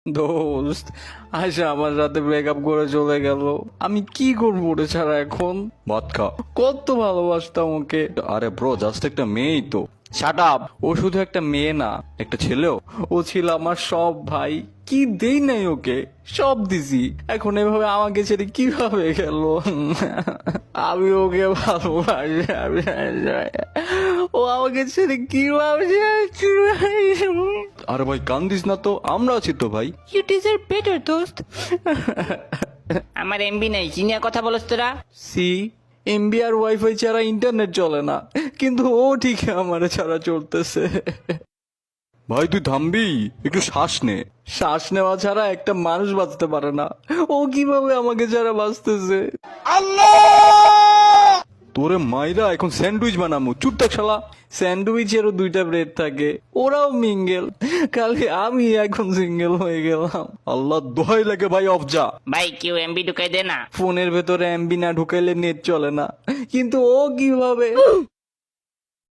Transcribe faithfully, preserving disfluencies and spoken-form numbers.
দোস্ত, আয়শা আমার সাথে ব্রেকআপ করে চলে গেল। আমি কি করবো ওরে ছাড়া এখন? ভাত খা। কত ভালোবাসতাম ওকে। আরে ব্রো, জাস্ট একটা মেয়েই তো। Shut up. ও শুধু একটা মেয়ে না, একটা ছেলেও। ও ছিল আমার সব ভাই। কি দেই নাই ওকে, সব দিছি। এখন এভাবে আমাকে ছেড়ে কিভাবে গেল? আমি ওকে ভালোবাসি, আমি ও আমাকে ছেড়ে কিভাবে যাচ্ছে? আরে ভাই কান্দিস না তো, আমরা আছি তো ভাই। ইউ ডিজার্ভ বেটার দোস্ত। আমার এমবি নাই, কি নিয়ে কথা বলছ তোরা? সি, এমবি আর ওয়াইফাই ছাড়া ইন্টারনেট চলে না, কিন্তু ও ঠিক আমার ছাড়া চলতেছে। ভাই তুই থামবি, একটু শ্বাস নে। শ্বাস নেওয়া ছাড়া একটা মানুষ বাঁচতে পারে না, ও কিভাবে আমাকে ছাড়া বাঁচতেছে? তোরে মাইরা এখন স্যান্ডউইচ বানামু, চুপ থাক শালা। স্যান্ডউইচেরও দুইটা ব্রেড থাকে, ওরাও মিঙ্গেল, খালি আমি এখন সিঙ্গেল হয়ে গেলাম। আল্লাহ দোহাই লাগে ভাই, অফ যা। ভাই কেউ এমবি ঢুকাই দে না। ফোনের ভেতরে এমবি না ঢুকাইলে নেট চলে না, কিন্তু ও কিভাবে?